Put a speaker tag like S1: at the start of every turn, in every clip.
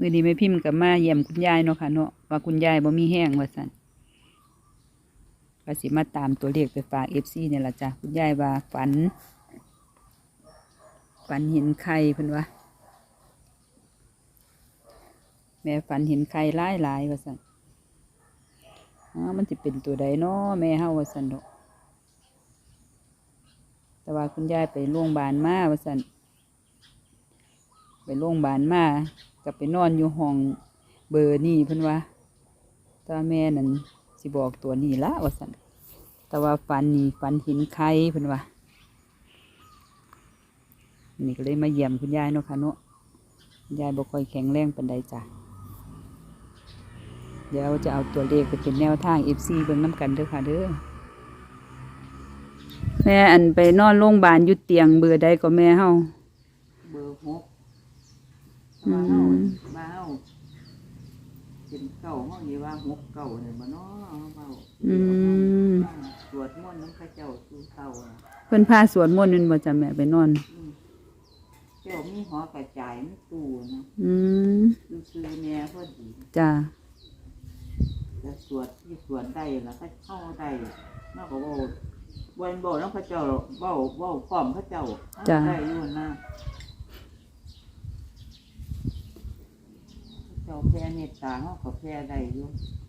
S1: มื้อนี้แม่พิมพ์กับมาเยี่ยมคุณยายเนาะค่ะเนาะว่าคุณยายบ่มีแห้งว่าซั่นก็สิมาตามตัวเลขไปฝาก FC เนี่ยล่ะจ้ะคุณยายว่าฝันเห็นไข่เพิ่นว่าแม่ฝันเห็นไข่หลายว่าซั่นมันสิเป็นตัวใดเนาะแม่เฮาว่าซั่นดอกแต่ว่าคุณยายไปโรงพยาบาลมาว่าซั่นไปโรงพยาบาลมาก็ไปนอนอยู่ห้องเบอร์นี่เพิ่นว่าแต่ว่าแม่นั่นสิบอกตัวนี้ละว่าซั่นแต่ว่าฝันเห็นไข่เพิ่นว่านี่ก็เลยมาเยี่ยมคุณยายเนาะค่ะเนาะคุณยายบ่ค่อยแข็งแรงปานใดจ้ะเดี๋ยวจะเอาตัวเลขไปเป็นแนวทาง FC เบิ่งน้ำกันเด้อค่ะเด้อแม่อันไปนอนโรงพยาบาลอยู่เตียงเบอร์ใดก็แม่เฮา
S2: เบอร์6มาเฮาเป็นเก่าเฮานี่ว่า6 เก่าเนี่ยบ่เนาะเฮาสวดมนต์นำพระเจ้าสู่เก่า
S1: เพิ่นพาสวดมนต์นั่นบ่จ้ะแม่ไปนอน
S2: เจ้ามีหอกระจายมีตู้นะซื้อแม่พอดี
S1: จ้า
S2: จะสวดที่สวดได้แล้วก็เข้าได้นอกจากว่าวันบอกน้องพระเจ้าบอกพร้อมพระเจ้าได้อยู่นะเจ้าแผ่เมตตาเขาก็แผ่ได้อยู่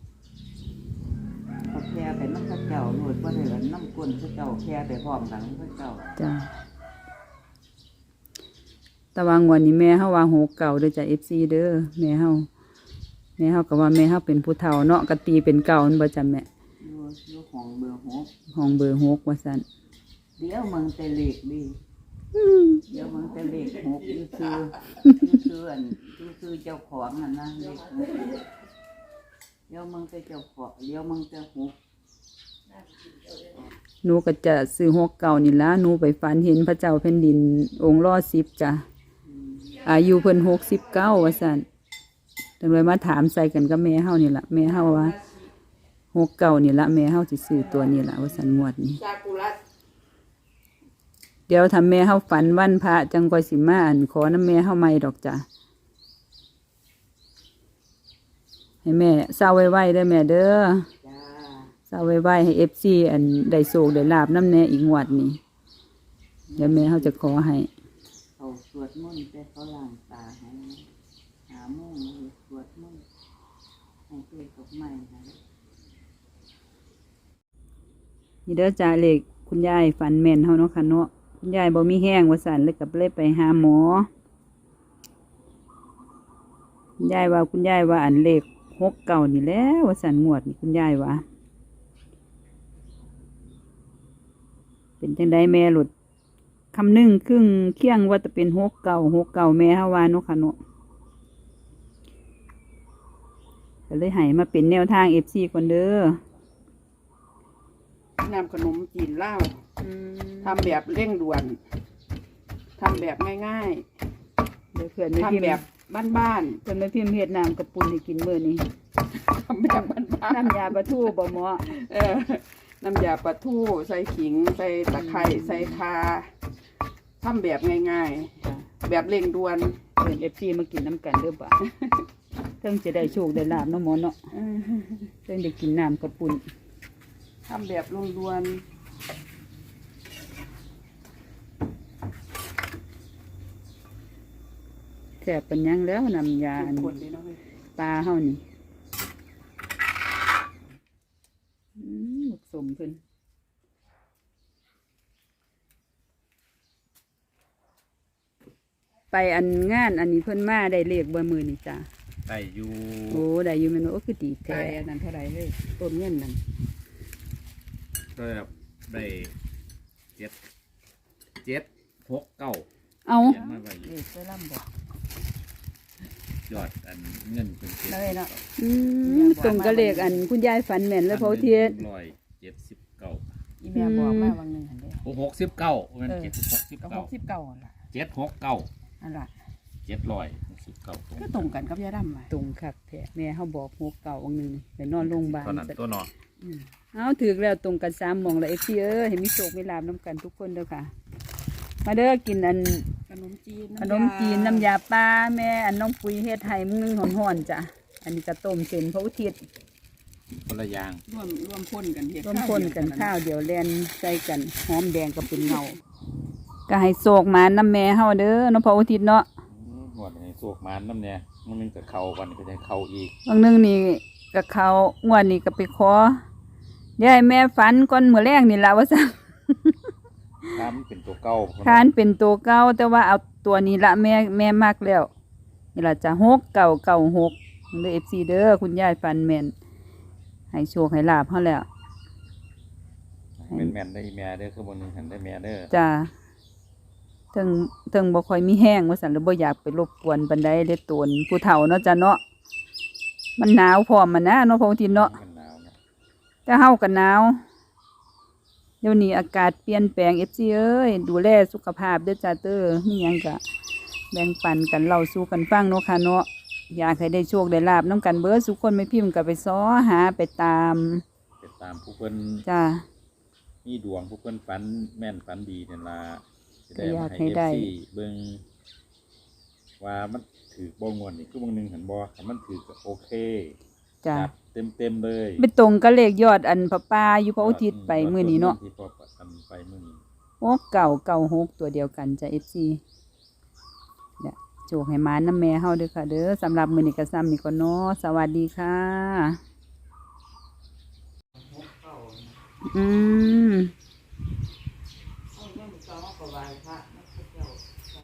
S2: เขาแผ่ไปน้ำพระเจ้าหน่วยว่าได้น้ำก้นพระเจ้าแผ่ไปพร้อมกันพระเจ้า
S1: จ้าตะวันวันนี้แม่เฮาว่า6 เก่าเด้อจ้ะ FC เด้อแม่เฮาก็ว่าแม่เฮาเป็นผู้เฒ่าเนาะก็ตีเป็นเก่านั่นบ่จ้ะแม่
S2: อยู่ห้องเบอร์6
S1: ว่าซั่น
S2: เดี๋ยวมึงแต่เลขดิเดี๋ยวมึงแต่เลข6อยู่คือเจ้าของนะเลข6เดี๋ยวมึงแต่เจ้าของเดี๋ยวมึงแต่6
S1: หนูก็จะซื้อ6 เก่านี่ล่ะหนูไปฝันเห็นพระเจ้าแผ่นดินองค์รอ10จ้ะอายุเพิ่น69ว่าซั่นจังเลยมาถามใส่กันกับแม่เฮานี่ล่ะแม่เฮาว่า6 เก่านี่ล่ะแม่เฮาสิซื้อตัวนี้ล่ะว่าซั่นงวดนี้เดี๋ยวถ้าแม่เฮาฝันวันพระจังค่อยสิมาขอนำแม่เฮาใหม่ดอกจ้ะให้แม่เศร้าไว้ๆเด้อแม่เด้อเศร้าไว้ๆให้ FC ได้โชคได้ลาภนำแน่อีกงวดนี้เดี๋ยวแม่เฮาจะขอให้
S2: เขาสวดมนต์แต่เขาล้างตาให้หาโมงสวดมนต์ให้เกิดกับใหม่ค่ะ
S1: นี่เด้อจ้าเลขคุณยายฝันแม่นเฮาเนาะค่ะเนาะคุณยายบ่มีแห้งว่าซั่นเลยก็เลยไปหาหมอคุณยายว่าเลข6 เก่านี่แหละว่าซั่นงวดนี่คุณยายว่าเป็นจังไดแม่หลุดคำนึงครึ่งเคียงว่าจะเป็น6 เก่าแม่เฮาว่าเนาะค่ะเนาะก็เลยให้มาเป็นแนวทาง FC ก่อนเด้
S3: อนำขนมจีนลาวทำแบบเร่งด่วนทำแบบง่าย
S1: ๆเดี๋ยวเพื่อน
S3: ทำแบบบ้าน
S1: ๆเพื่อนไม่พิมพ์เฮ็ดน้ำกระปุนให้กินมื้อนี้
S3: ทำแบบบ้าน
S1: ๆน้ำยาปลาทูบ่หมอ
S3: น้ำยาปลาทูใส่ขิงใส่ตะไคร้ใส่ข่าทำแบบง่ายๆแบบเร่งด่วน
S1: เพื่อน FC มากินน้ำกันเด้อบ่เพิ่งจะได้โชคได้ลาภเนาะหมอเนาะเพิ่งได้กินน้ำกระปุน
S3: ทำแบบล้วน
S1: แซ่บเป็นยังแล้วน้ำยาปลาเฮานี่หมกสมเพิ่นไปงานอันนี้เพิ่นมาได้เลขบ่มื้อนี่จ้ะ
S4: ได้อยู่
S1: โอ้ได้อยู่แม่นโอ้คือดีแท้
S3: นั่นเท่าไหร่เฮ้ยต้นเงินนั่น
S4: ก็ได้7 6 9
S1: เอา
S3: ไปล่ำบอก
S4: ยอดเงินเป็น
S3: 7เนาะ
S1: ตรงกับเลขคุณยายฝันแม่นแล้วเพราะเทียน
S4: 179
S3: อีแม่บอกมาวันนึงหั่นเด้
S4: 69มัน
S3: 69ล่ะ
S4: 769
S3: นั่นล่ะ
S4: 769
S3: ก็ตรงกันกับยาดำ
S1: ตรงคักแท้แม่เฮาบอก6 เก่าวันนึงไปนอนโรงพยาบาล
S4: ตอนนั้นตัวเนาะ
S1: เอาถือแล้วตรงกัน3หม่องแล้ว FC เห็นมีโชคมีลาภนำกันทุกคนเด้อค่ะมาเด้อกิน
S3: นมจีน
S1: ขนมจีนน้ำยาปลาแม่อันน้องปุ้ยเฮ็ดให้มึงนึงห่อนๆจ้ะอันนี้ก็ต้มเส้นพระอุทิศ
S4: คนละอย่าง
S3: ร่วมพ่นกันเฮ็ด
S1: ร่วมคนกันข้าวเดียวแล่นใส่กันหอมแดงก็เป็นเงาก็ให้โศกหมาน้ำแม่เฮาเด้อน้องพระอุทิศเนาะ
S4: หมดในสวกมันน้ำเนี่ยมันนึงกับเขาวันก็จะเข้าอีก
S1: บางนึงนี่ก็เขางวดนี้ก็ไปขอเดี๋ยวให้แม่ฝันก่อนมื้อแรกนี่ล่ะว่าซั่น
S4: ถ้ามันเป็นตัวเก่า
S1: คานเป็นตัวเก่าแต่ว่าเอาตัวนี้ละแม่มักแล้วนี่ล่ะจะ6 9 9 6เด้อ FC เด้อคุณยายฟันแม่นให้โชคให้ลาภเฮาแล้ว
S4: เป็นแมนได้แม่เด้อคือบนนึงหันได้แม่เด้อ
S1: จ้าถึงบ่ค่อยมีแห้งว่าซั่นหรือบ่อยากไปรบกวนปานใดเด้อตนผู้เฒ่าเนาะจ้ะเนาะมันหนาวพร้อมมันนะเนาะพระอุทิศเนาะ
S4: มันหนาวนะ
S1: แต่เฮาก็หนาวเดี๋ยวนี้อากาศเปลี่ยนแปลง FC เอ้ยดูแลสุขภาพเด้อจ้าเด้อมีหยังก็แบ่งปันกันเล่าสู่กันฟังเนาะค่ะเนาะอยากให้ได้โชคได้ลาภนํกันเบิดทุกคนไม่พิมพ์ก็ไปซ้อหาไปตาม
S4: ติดตามผู้เพิ่น
S1: จ้า
S4: มีดวงผู้เพิ่นฝันแม่นฝันดีเนี่ยล่ะจะได้
S1: ก็อยาม
S4: าก ให้
S1: ให้ได้
S4: FC เบิ่งว่ามันถือบ่งวนนี่คือบางนึงหันบ่ถ้ามันถือก็โอเค
S1: จ้า
S4: จัดเต็มเลย
S1: ไปตรงกับเลขยอดอันพระป่าอยู่พระอุทิศไปมื้อนี้เนาะ
S4: ที่พ่อประกันไปมื้อนี้
S1: โอ้996ตัวเดียวกันจ้ะ FC เนี่ยโจกให้หมาน้ำแม่เฮาเด้อค่ะเด้อสำหรับมื้อนี้ก็ซ้ำนี่ก่อนเนาะสวัสดีค่ะอืม